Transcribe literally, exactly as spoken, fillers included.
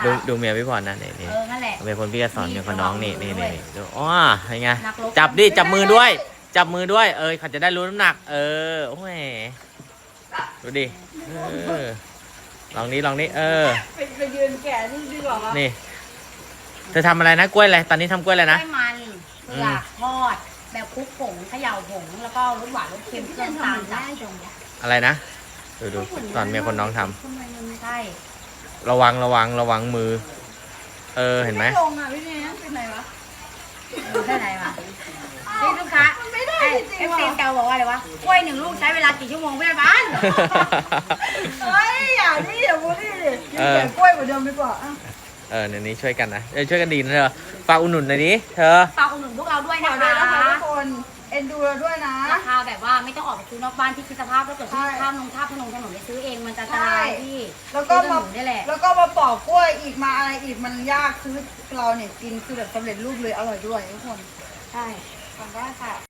ดูดูเมียพี่พรนะนี่นี่เออนั่นแหละเมียคนพี่ก็สอนเมียคนน้องนี่นี่นี่นี่ดูอ๋อยังไงนักรบจับดิจับมือด้วย จับมือด้วย เออเขาจะได้รู้น้ำหนัก เออโอ้ยดูดิเออลองนี้ลองนี้เออไปไปยืนแก่นี่ดีกว่าปะนี่เธอทำอะไรนะกล้วยอะไรตอนนี้ทำกล้วยอะไรกล้นะวยมันเผือกทอดแบบคลุกผงเขย่าผงแล้วก็รสหวานรสเค็มเครื่องตาลจัดอะไรนะดูดูสอนเมียคนน้องทำใช่ระวังระวังระวังมือ เออเห็นไหมลงอ่ะพี่เนยเป็นไรวะได้ไหนวะนี่ลูกค้ามันไม่ได้ไอ้จริเอง ฟๆซีว่ะเกาบอกว่าอะไรวะกล้วยหนึ่งลูกใช้เวลากี่ชั่วโมงเพื่อนบ้านเฮ้ยอย่านี่อย่าบูลลี่ดิกินแต่กล้วยเหมือนเดิมดีกว่าอ่ะเออเดี๋ยวนี้ช่วยกันนะเออช่วยกันดีนะเธอฝากอุดหนุนหน่อยดิเธอฝากอุดหนุนพวกเราด้วยขอนะด้วยคะนะคะทุกคนเอ็นดูเราด้วยนะราคาแบบว่าไม่ต้องออกไปซื้อนอกบ้านที่คิดสภาพถ้าเกิดที่ใช่ข้ามลงท่าพนงถนนไปซื้อเองมันจะอันตรายที่แล้วก็ซื้อมาถนนนี่แหละแล้วก็มาปอกกล้วยอีกมาอะไรอีกมันยากคือเราเนี่ยกินคือแบบสำเร็จรูปเลยอร่อยด้วยทุกคนใช่ขอบคุณค่ะ